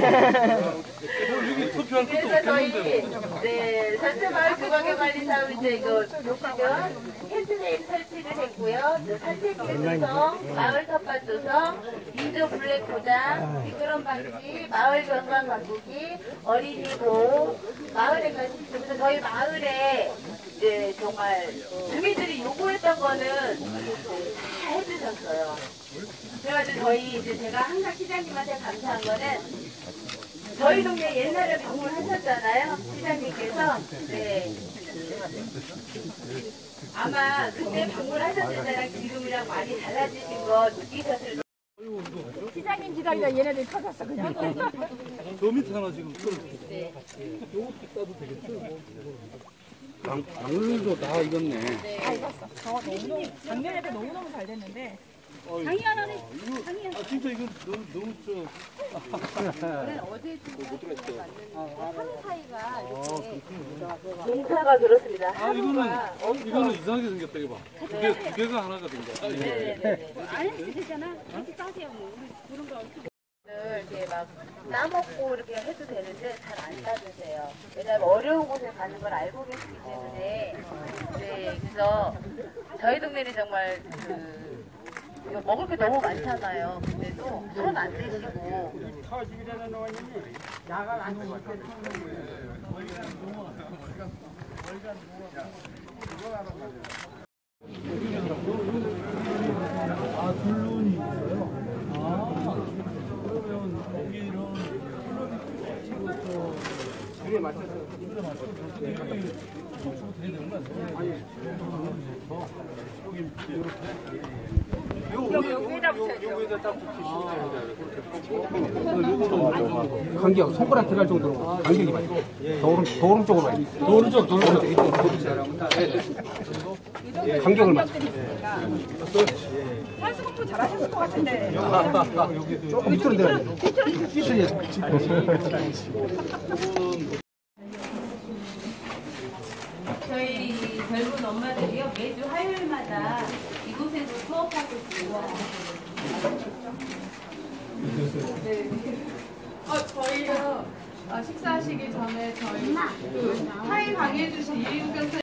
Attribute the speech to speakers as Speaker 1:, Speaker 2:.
Speaker 1: 여기 투표할 것도
Speaker 2: 그래서 저희
Speaker 1: 없겠는데.
Speaker 2: 전체마을 주거개발리 사업 이제 이거 보시면 핸드레인 설치를 했고요. 산책 해주성, 마을 텃밭 조성, 인조 블랙 포장, 미끄럼 방지, 마을 경관 가꾸기, 어린이 보호, 마을에 관심. 그래서 저희 마을에 이제 정말 주민들이 요구했던 거는 다 해주셨어요. 그래가지고 저희 이제 제가 항상 시장님한테 감사한 거는 저희 동네 옛날에 방문하셨잖아요, 시장님께서. 네. 아마 그때 방문하셨을 때랑 지금이랑 많이 달라지신 거 느끼셨을 거예요.
Speaker 3: 시장님 기다리다 얘네들이 터졌어 그냥.
Speaker 1: 저 밑에 하나 지금 떨어졌어.
Speaker 2: 네.
Speaker 1: 요것도 따도 되겠죠?
Speaker 4: 방울도 다 익었네.
Speaker 3: 다 익었어. 너무 작년에도 너무너무 잘 됐는데.
Speaker 1: 장이 하나네. 아 진짜 이건 너무
Speaker 2: 어제 농사가 그렇습니다.
Speaker 1: 아 이거는 이상하게 생겼다 이거 봐. 두 개가 하나가 된 거야.
Speaker 2: 네네네.
Speaker 5: 안 해도 되잖아. 같이 따세요. 뭐. 우리 그런 거.
Speaker 2: 이렇게 막 따먹고 이렇게 해도 되는데 잘 안 따드세요. 왜냐하면 어려운 곳에 가는 걸 알고 계시기 때문에. 네, 그래서 저희 동네는 정말 이거 먹을 게 너무 많잖아요. 근데도 손 안 대시고.
Speaker 1: 아 둘론이 있어요. 아 그러면 거기는 그게 맞춰서 진짜 맞춰서 여기 톡톡 돼야 되는 거 아니에요? 여기 이렇게
Speaker 3: 여기다 붙여야죠.
Speaker 1: 여기다 딱 붙이시면
Speaker 4: 간격 손가락 들어갈 정도로 간격이 맞아. 더 오른쪽으로 가야 돼.
Speaker 1: 더 오른쪽
Speaker 4: 이쪽 간격을 맞춰.
Speaker 3: 산수 공부 잘하셨을 것 같은데.
Speaker 4: 조금 밑으로 내려야 돼.
Speaker 2: 저희 젊은 엄마들이요 매주 화요일마다 이곳에서 수업하고 있어요.
Speaker 6: 저희요 식사하시기 전에 저희 그 타이 강의해 주신 이인경